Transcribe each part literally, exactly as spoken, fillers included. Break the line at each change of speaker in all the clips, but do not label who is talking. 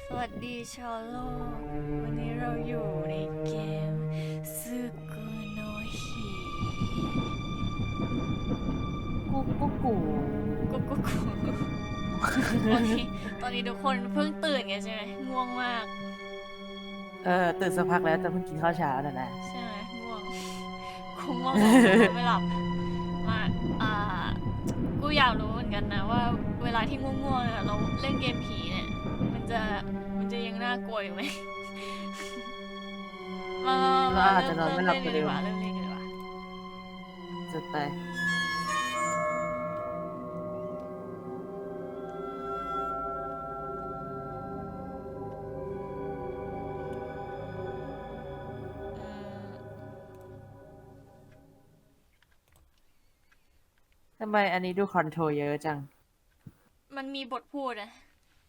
วัสดีชาวโลกวันนี้เราอยู่ในเกมซึกุโนฮิ
กูกูกู
กุ๊กกุ๊กกุ๊กตอนนี้ตอนนี้ทุกคนเพิ่งตื่นกันใช่ไหมง่วงมาก
เออตื่นสักพักแล้วแต่เพิ่งกินข้าวเช้าน่ะนะ
ใช่ไหมง่วงกูง่วงนอนไม่หลับมาอ่ากูอยากรู้เหมือนกันนะว่าเวลาที่ง่วงๆเนี่ยเราเล่นเกมผีเนี่ยมันจะมันจะยังน่ากลัวอยู่ไหม มามา
เรา
มา
อาจจะ
เริ่ม
นอน
เริ่ม
ไม่หลั
เล่
บ
น
ไป
กัน
เร็
ดี
ว
กว่าเริ่มเล่นกันดีกว่า
จะไปทำไมอันนี้ดูคอนโทรลเยอะจัง
มันมีบทพูดนะ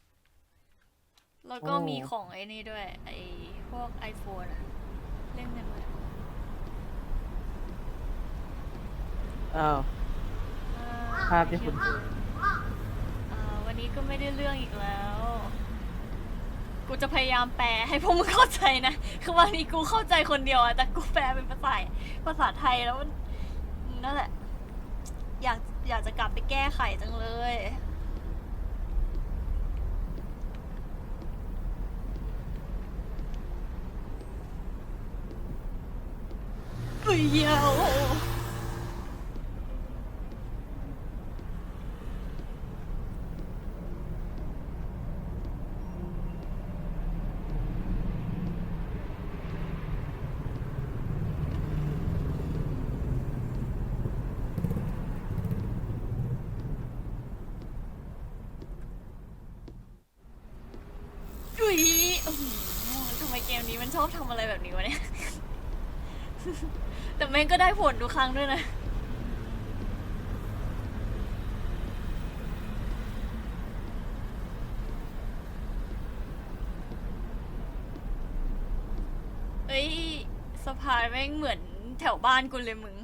แล้วก็
โอ้
มีของไอ้นี่ด้วยไอ้พวก iPhone อะเล่นกันหมด
เออ
อ่
ภาพที่คุณ
อ่าวันนี้ก็ไม่ได้เรื่องอีกแล้ว กูจะพยายามแปลให้พวกมึงเข้าใจนะ คือวันนี้กูเข้าใจคนเดียวอะแต่กูแปลเป็นภาษาภาษาไทยแล้วมันนั่นแหละ อยากอยากจะกลับไปแก้ไขจังเลยเฮ้ยเยวอุ้ยโอ้โหทำไมเกมนี้มันชอบทำอะไรแบบนี้วะเนี่ย แต่แม่งก็ได้ผลทุกครั้งด้วยนะ เอ้ยสะพานแม่งเหมือนแถวบ้านกูเลยมึง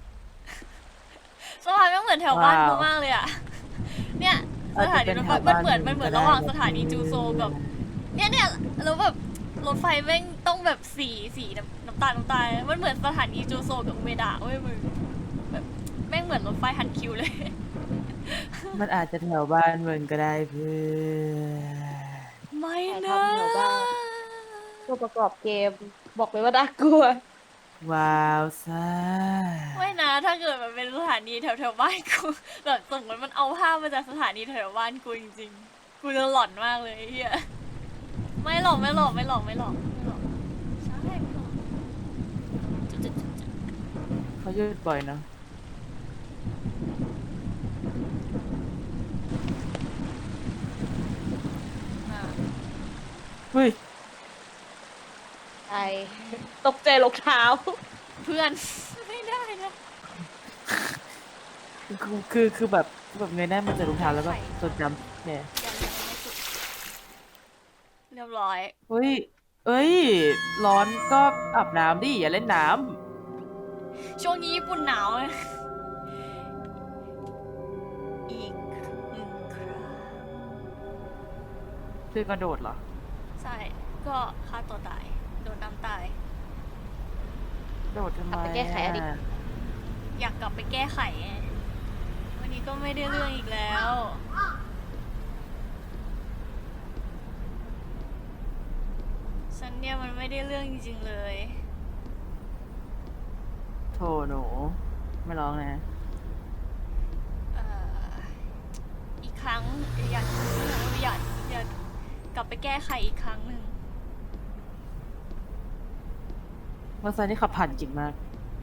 สะพานแม่งเหมือนแถวบ้านกู
ว้าว
มากเลยอะเนี่ยส
อาจ
ถา
จะ
นี
เป็น
รถไฟ
แถว
มันเหมือน
บ้าน
มันเหมือน
ก็ได้
ระหว่างสถานีจูโซกับเนี่ยเนี่ยแล้วแบบรถไฟแม่งต้องแบบสีสีน้ำน้ำตาลน้ำตาลมันเหมือนสถานีจูโซกับอุเมดะเว้ยมึงแบบแม่งเหมือนรถไฟฮันคิวเลย
มันอาจจะแถวบ้านมึงก็ได้เพื่อน
ไม่
ถ่าย
นะ
ทำแถวบ้านตัวประกอบเกมบอกเลยว่าน่ากลัว
ว้าวซ่า
ไม่นะถ้าเกิดมันเป็นสถานีแถวแถวบ้านกูแบบสมมติมันเอาภาพมาจากสถานีแถวบ้านกูจริงๆกูจะหลอนมากเลยไอ้เฮียไม่หลอกไม่หลอกไม่หลอกไม่หลอกไม่หลอกใช่ไม่หลอกจุดจุดจุดจุด
เขาหยุดบ่อยเนาะ
อ่า
เฮ้ย
ใช่ตกใจรองเท้า
เพื่อน ไม่ได้นะ
คือคือคือแบบคือแบบเงยหน้ามาเจอรองเท้าแล้วแบบจดจำเนี่ย
ยังยังไม่สุดเรียบร้อย
เฮ้ย เอ้ย ร้อนก็อาบน้ำดิ อย่าเล่นน้
ช่วงนี้ญี่ปุ่นหนาวเลยอีกหนึ่งครั้ง
ำคือกระโดดเหรอ
ใช่ก็ฆ่าตัวตายโดนน้ำตาย
โดดทำไม
กลับไปแก้ไขอดีต
อะ
อยากกลับไปแก้ไขไงวันนี้ก็ไม่ได้เรื่องอีกแล้ว ฉันเนี่ยมันไม่ได้เรื่องจริงๆเลย
โถหนู ไม่ร้องนะ
เอ่อ อีกครั้งอยากอยากอยากกลับไปแก้ไขอีกครั้งหนึ่ง
มอเตอร์ไซค์นี่ขับผ่านจริงมาก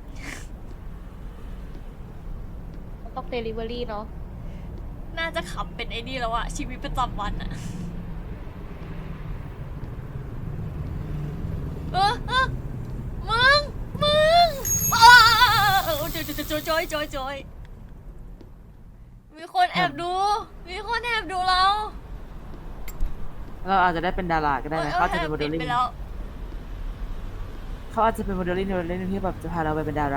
ต้องเดลิเวอรี่เนาะ
น่าจะขับเป็นไอ้นี่แล้วอะชีวิตประจำวันอะเออเออมึง มึงอ้าวจอยจอยจอยจอยจอยมีคนแอบดู มีคนแอบดูเรา
เราอาจจะได้เป็นดาราก็ได้นะ
ออ
เขาอาจจะเป็นโมเด
ปิ
ล
ด
ลิ่ง
ไปแล้ว
เขาอาจจะเป็นโมเดลลิ่งโมเดลลิ่งที่แบบจะพาเราไปเป็นดารา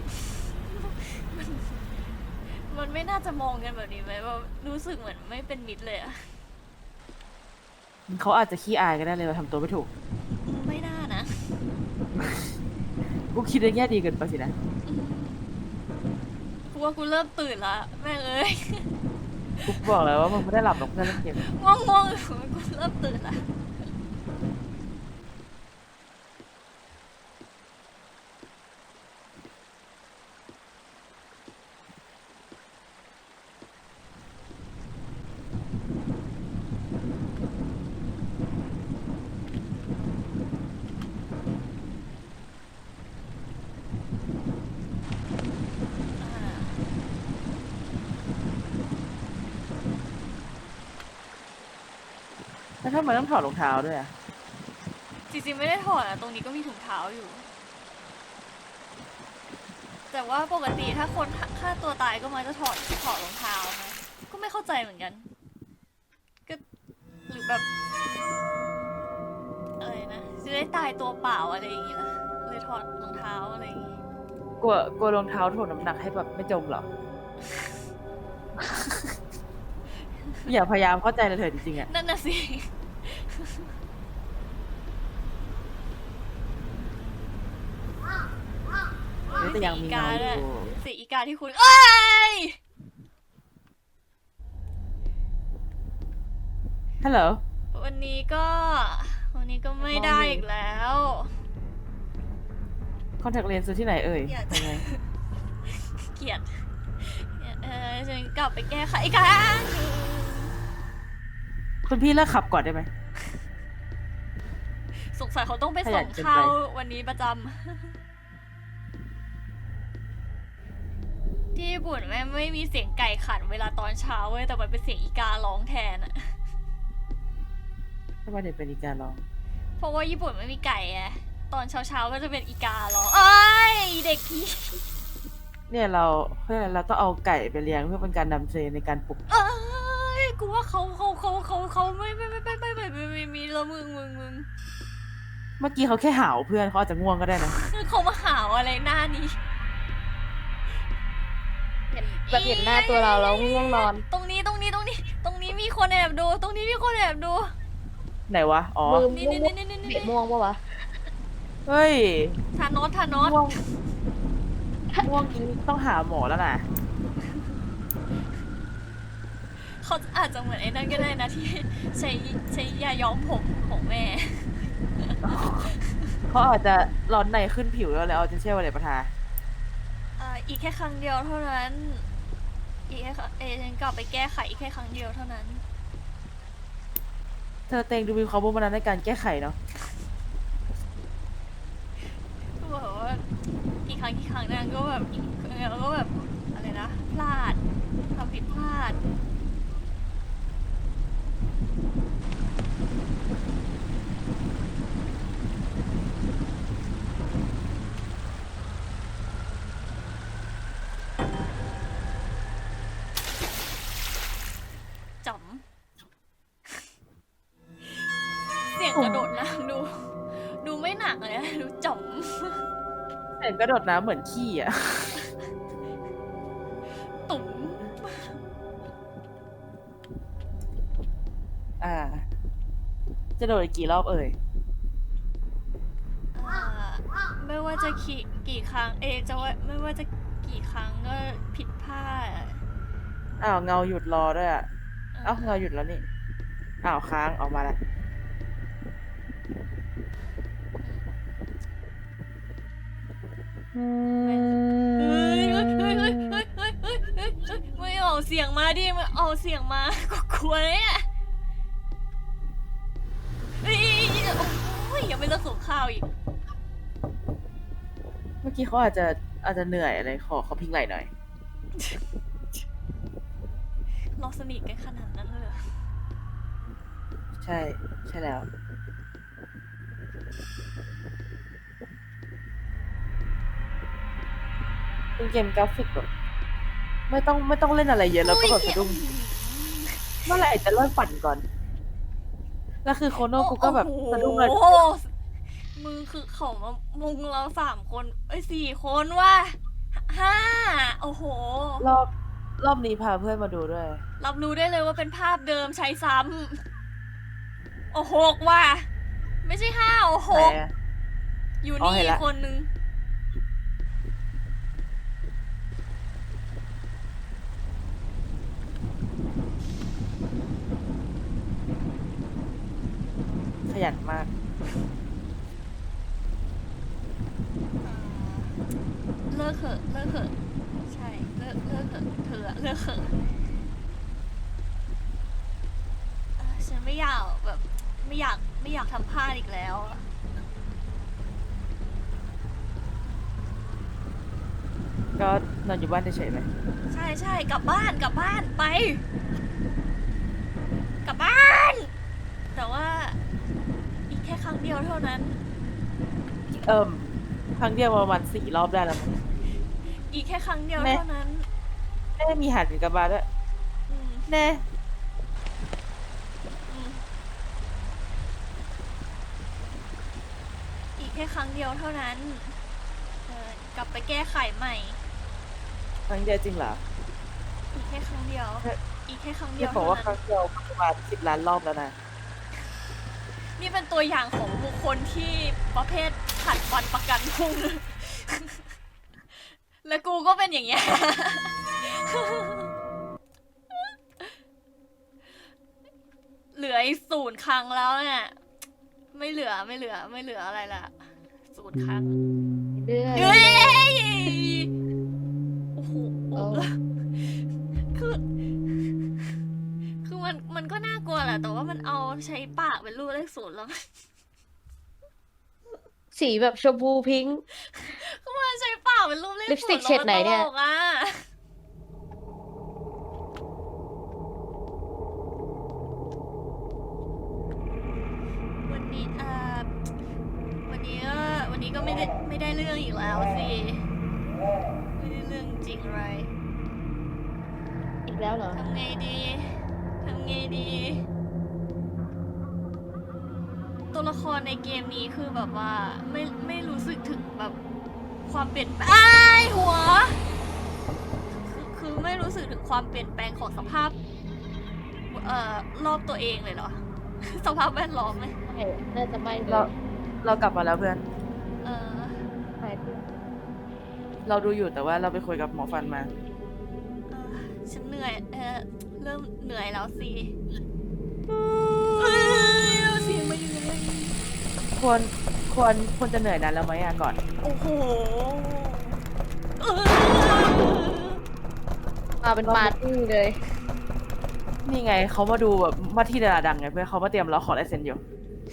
มันไม่น่าจะมองกันแบบนี้ไหมว่ารู้สึกเหมือนไม่เป็นมิตรเลยอะ
เขาอาจจะขี้อายก็ได้เลยว่าทำตัวไม่ถูก
ไม่น่านะ
กูคิดในแง่ดีเกินไปสินะ
กูว่ากูเริ่มตื่นละแม่งเอ้ย
กูบอกแล้วว่ามึงไม่ได้หลับหรอกเพื่อนเล่นเกม
ง่วงง่วงกูเริ่มตื่นละอ่า
แล้วทำไมต้องถอดรองเท้าด้วยอะ
จริงๆไม่ได้ถอดอะตรงนี้ก็มีถุงเท้าอยู่ แต่ว่าปกติถ้าคนฆ่าตัวตายก็มักจะถอดถอดรองเท้านะก็ไม่เข้าใจเหมือนกัน ก็หรือแบบ อะไรนะ จะได้ตายตัวเปล่าอะไรอย่างงี้นะเลยถอดรองเท้าอะไรอย่างงี้
กลัวกลัวรองเท้าถ่วงน้ำหนักให้แบบไม่จมเหรอ อย่าพยายามเข้าใจเลยเถอะจริงๆอะ
นั่นน่ะสิ
นี่แต่ยังมีเงาอยู่
สีอีกาที่คุณ เอ้ย
ฮัลโหล
วันนี้ก็ วันนี้ก็ไม่ได้อีกแล้ว
คอนแทคเลนส์ซื้อที่ไหนเอ่ย
อยากจะ
ยังไง
เกลียดเออฉันกลับไปแก้ไขอีกครั้ง
คุณพี่เลิกขับก่อนได้ไหม
สงสัยเขาต้องไป
ขยั
ส่
น
ง
เกินไป
ข้าววันนี้ประจำ ที่ญี่ปุ่นแม่งไม่มีเสียงไก่ขันเวลาตอนเช้าเว้ยแต่มันเป็นเสียงอีการ้องแทนอะ
ทำไมถึงเป็นอีการร้อง
เพราะว่าญี่ปุ่นไม่มีไก่ไงตอนเช้าๆก็จะเป็นอีการ้องเอ้ยเด็กพี่
เนี่ยเราเพื่อเราต้องเอาไก่ไปเลี้ยงเพื่อเป็นการนำเทรนในการปลุก
เอ้ยกูว่าเขาเขาเขาเขาเขาไม่ไม่ไม่ไม่ไม่ไม่ไม่ไม่มีแล้วมึงมึงมึง
เมื่อกี้เขาแค่หาวเพื่อนเขาอาจจะง่วงก็ได้นะ
เขามาหาวอะไรหน้านี้
เห็นแบบเห็นหน้าตัวเราแล้วง่วงนอน
ตรงนี้ตรงนี้ตรงนี้ ตรงนี้มีคนแอบดู ตรงนี้มีคนแอบดู
ไหนวะ อ๋อ
มือ
นี่
ม่ว
นี่
ง
นี่นี่
เบะ
นี่
ม่วงปะวะ
เฮ้ย
ทานอสทานอส
ง่วงง่วงนี้ต้องหาหมอแล้วนะ
เขาอาจจะเหมือนไอ้นั่นก็ได้นะที่ใช้ใช้ยาย้อมผมของแม่
เขาอาจจะร้อนในขึ้นผิวแล้วแล้วเอาจะเชื่อว่าอะไรประทา
อ่าอีกแค่ครั้งเดียวเท่านั้น อีกแค่ครั้งเอฉันกลับไปแก้ไขอีกแค่ครั้งเดียวเท่านั้น
เธอเต็งดูมีความมุ่งมั่นในการแก้ไขเนาะ
ก็แบบว่ากี่ครั้งกี่ครั้งนั้นก็แบบอีกแล้วก็แบบอะไรนะพลาดทำผิดพลาดจ๋ำเสียงกระโดดน้ำดู ดูไม่หนักเลยอะดูจ๋ำ
เห็นกระโดดน้ำเหมือนขี้อ่ะ
ตุ๋ม
อ่า จะโดดอีกกี่รอบเอ่ย
อ่าไม่ว่าจะกี่กี่ครั้ง เอะจะว่าไม่ว่าจะกี่ครั้งก็ผิดพลาด
อ้าวเงาหยุดรอด้วยอ่ะ เอ้าเงาหยุดแล้วนี่ อ้าวค้างออกมาแล้ว
เฮ้ยเฮ้ยเฮ้ยเฮ้ยเฮ้ยเฮ้ยเฮ้ยเฮ้ยเฮ้ยไม่เอาเสียงมาดิไม่เอาเสียงมาก็กลัวเนี่ยเฮ้ยโอ้ยยังไม่เลิกส่งข้าวอีก
เมื่อกี้เขาอาจจะอาจจะเหนื่อยอะไรขอเขาพิงไหล่หน่อย
เราสนิทกันขนาดนั้นเลยเหรอ
ใช่ ใช่แล้ว เป็นเกมกราฟิกแบบไม่ต้องไม่ต้องเล่นอะไรเยอะแล้วก็แบบสะดุ้งเมื่อไหร่จะเลิกปั่นก่อน แล้วคือโคโน่กูก็แบบสะดุ้งเลย
โอ้โหมึงคือเขามามุงเราสามคน เอ้ยสี่คนว่ะห้าโอ้โห
รอบรอบนี้พาเพื่อนมาดูด้วย
รับรู้ได้เลยว่าเป็นภาพเดิมใช้ซ้โอ้หกว่ะไม่ใช่ห้าโอ้ห
ไหน
ก
อะ
อยู่
อ๋อ
นี่
เห็นละ
คนนึง
ขยันมาก
เลิกเถอะเลิกเถอะใช่เลิกเลิกเถอะเธออะเลิกเถอะเอ่อฉันไม่อยากแบบไม่อยากไม่อยากทำพลาดอีกแล้วอะ
ก็นอนอยู่บ้านเฉยๆไหม
ใช่ใช่กลับบ้านกลับบ้านไป กลับบ้าน แต่ว่าอีกแค่ครั้งเดียวเท่านั้น
เอิ่มครั้งเดียวประมาณสี่รอบได้แล้วมั้ง
อีกแค่ครั้งเดียว
แม่
เท่านั้น
แม่มีหันกลับมาด้วย
อืม
แน่
อืมอีกแค่ครั้งเดียวเท่านั้นเออกลับไปแก้ไขใหม่
ครั้งเดียวจริงเหรอ
อีกแค่ครั้งเดียว
เฮ้ย
อีกแค่ครั้งเดี
ที่
ยว
บอก
เท่า
ว่าค
นั้
รั้
น
งเดียวประมาณสิบล้านรอบแล้วนะ
นี่เป็นตัวอย่างของบุคคลที่ประเภทผัดวันประกันพรุ่ง และกูก็เป็นอย่างเงี้ย เหลืออีกศูนย์ครั้งแล้วเนี่ย ไม่เหลือไม่เหลือไม่เหลืออะไรละศูนย์ครั้ง
เรื่อย
เฮ้ยโอ้โห
โอ้
คือ คือมันมันก็น่ากลัวแหละ แต่ว่ามันเอาใช้ปากเป็นรูปเลขศูนย์แล้ว
สีแบบชมพูพิงค์
คือมันใช้ปากเป็นรูปเลข
ลิปสติ
ศูน
ก
ย์
เฉดไหนเนี่ย
แล้วมัตลกอ่ะ วันนี้เอ่อวันนี้ก็วันนี้ก็ไม่ได้ไม่ได้เรื่องอีกแล้วสิไม่ได้เรื่องจริงเลย
อีกแล้วเหรอ
ทำไงดีทำไงดี ตัวละครในเกมนี้คือแบบว่าไม่ไม่รู้สึกถึงแบบความเปลี่ยนแปลงอ้ายหัวคือคือไม่รู้สึกถึงความเปลี่ยนแปลงของสภาพเอ่อรอบตัวเองเลยเหรอ สภาพแวดล้อมเลย
ไม่น่าจะไม่เล
เรา
ย
เรากลับมาแล้วเพื่อน
เออ
หายไป
เราดูอยู่แต่ว่าเราไปคุยกับหมอฟันมา
เออฉันเหนื่อยเออเริ่มเหนื่อยแล้วสิเอ้ยเอาเสียงมาอยู่เลย
ควรควรควรจะเหนื่อยนานแล้วไหมอะก่อน
โอ้โหเออ
มาเป็นปาร์ตี้เลย
นี่ไงเขามาดูแบบว่าที่ดาราดังไงเพื่อนเขามาเตรียมรอขอลายเซ็นอยู่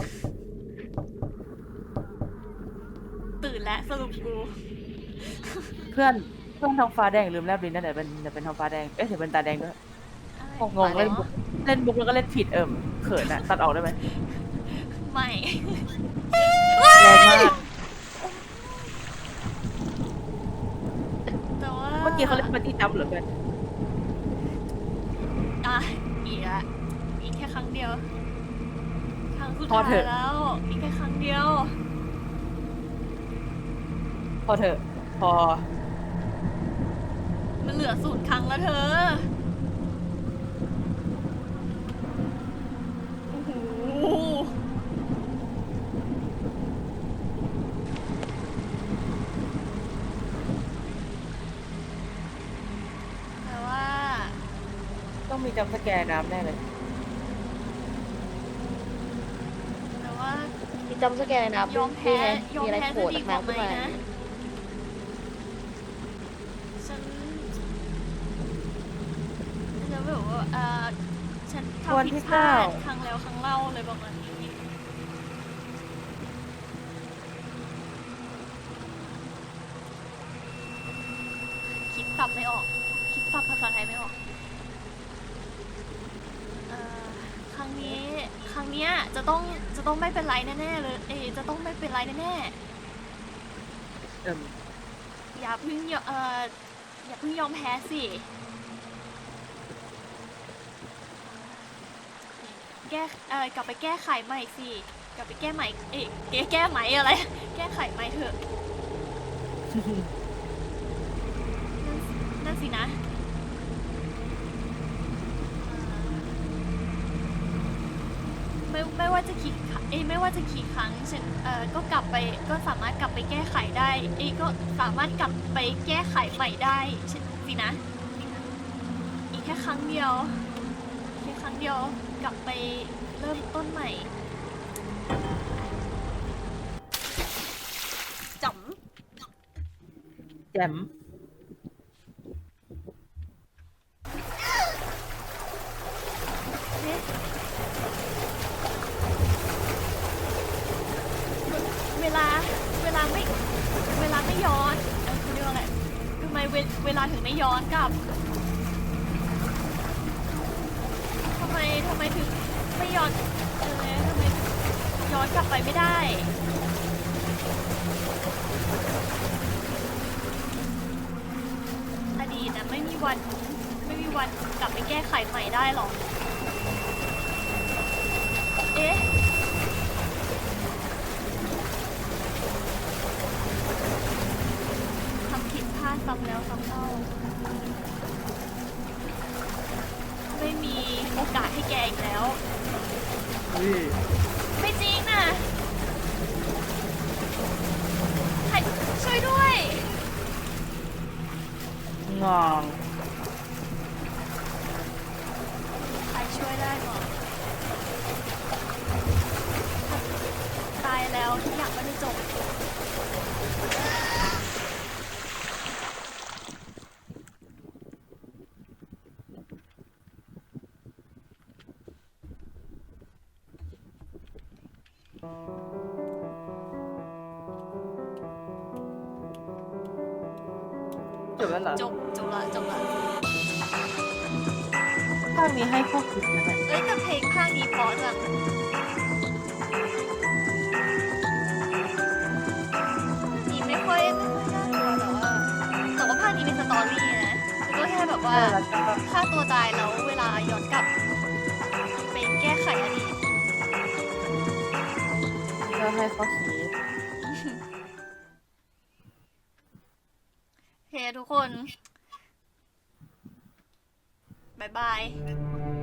ตื่นแล้วสรุปกู
เพื่อนเพื่อนท้องฟ้าแดงลืมแลบลิ้นนั่นแหละเป็นจะเป็นท้องฟ้าแดงเอ๊ะเดี๋ยวเป็นตาแดงด้วย งงเล่นบุกเล่นบุกแล้วก็เล่นผิดเอิ่มเขินอะตัดออกได้ไหม
ไม่
แรงมาก
แต่ว่า
เมื่อกี้เขาเล่นปาร์ตี้จัมป์เหรอเพื่อน
อ่ะอีกละอีกแค่ครั้งเดียว ครั้งสุด
พอ
ท้า
เถ
ย
อะ
แล้ว อีกแค่ครั้งเดียว
พอเถอะ พอ
มันเหลือศูนย์ครั้งแล้วเธอ โอ้โห แต่ว่า
ต้องมีจัมป์สแกร์น้ำแน่เลย
แต่ว่า
มีจำสแกนนะ
ยอมแพ้
นี่ไง
ยอม
มีอะไร
แพ้
โผ
จะ
ล่
ดี
จาก
กว่า
น้ำ
ไหม
ขึ้นมา
นะ ฉันฉันแบบว่าเออฉัน
วัน
ทำผิ
ที่
ดพลา
เก้า
ดครั้งแล้วครั้งเล่าเลยประมาณนี้ คิดศัพท์ไม่ออก คิดศัพท์ภาษาไทยไม่ออกเอ่อครั้งนี้ ครั้งเนี้ยจะต้อง จะต้องไม่เป็นไรแน่ๆเลย เอยจะต้องไม่เป็นไรแน่ๆ
เอิ่ม
อย่าเพิ่งยอเอ่ออย่าเพิ่งยอมแพ้สิแก้เอ่อกลับไปแก้ไขใหม่สิกลับไปแก้ใหม่เอ๊ะแก้แก้ใหม่อะไร แก้ไขใหม่เถอะนั่นนั่นสินะเอ่อมันไม่ไม่ว่าจะกี่ครั้งเอ้ยไม่ว่าจะกี่ครั้งฉันเอ่อก็กลับไปก็สามารถกลับไปแก้ไขได้เอ้ยก็สามารถกลับไปแก้ไขใหม่ได้ฉันสินะอีกแค่ครั้งเดียวแค่ครั้งเดียวกลับไปเริ่มต้นใหม่จ๋ำ
แจ่ม
เอ๊ะเวลาเวลาไม่เวลาไม่ย้อนเออเขาเรียกว่าอะไรทำไมเวเวลาถึงไม่ย้อนกลับทำไมทำไมถึงไม่ย้อนเออทำไมถึงย้อนกลับไปไม่ได้อดีตนะไม่มีวันไม่มีวันกลับไปแก้ไขใหม่ได้หรอกเอ๊ะทำผิดพลาดซ้ำแล้วซ้ำเล่าไม่มีโอกาสให้แกอีกแล้ว
อุ้ย
ไม่จริงนะใครช่วยด้วย
งอง
ใครช่วยได้ก่อนตายแล้วทุกอย่างก็จะจบ
จบแล้วเหรอ
จบจบละจบละ
ภาคนี้ให้ข้อคิดนะเนี่ย
เอ้ยแต่เพลงภาคนี้เพราะจังนี่ไม่ค่อยไม่ค่อยน่ากลัวแต่ว่าแต่ว่าภาคนี้เป็นสตอรี่นะก็แค่แบบว่า
เออแล้วก็
ฆ่าตัวตายแล้วเวลาย้อนกลับไปแก้ไขอดีต
ก็ให้ข้อคิด
โอเคทุกคน บ๊ายบาย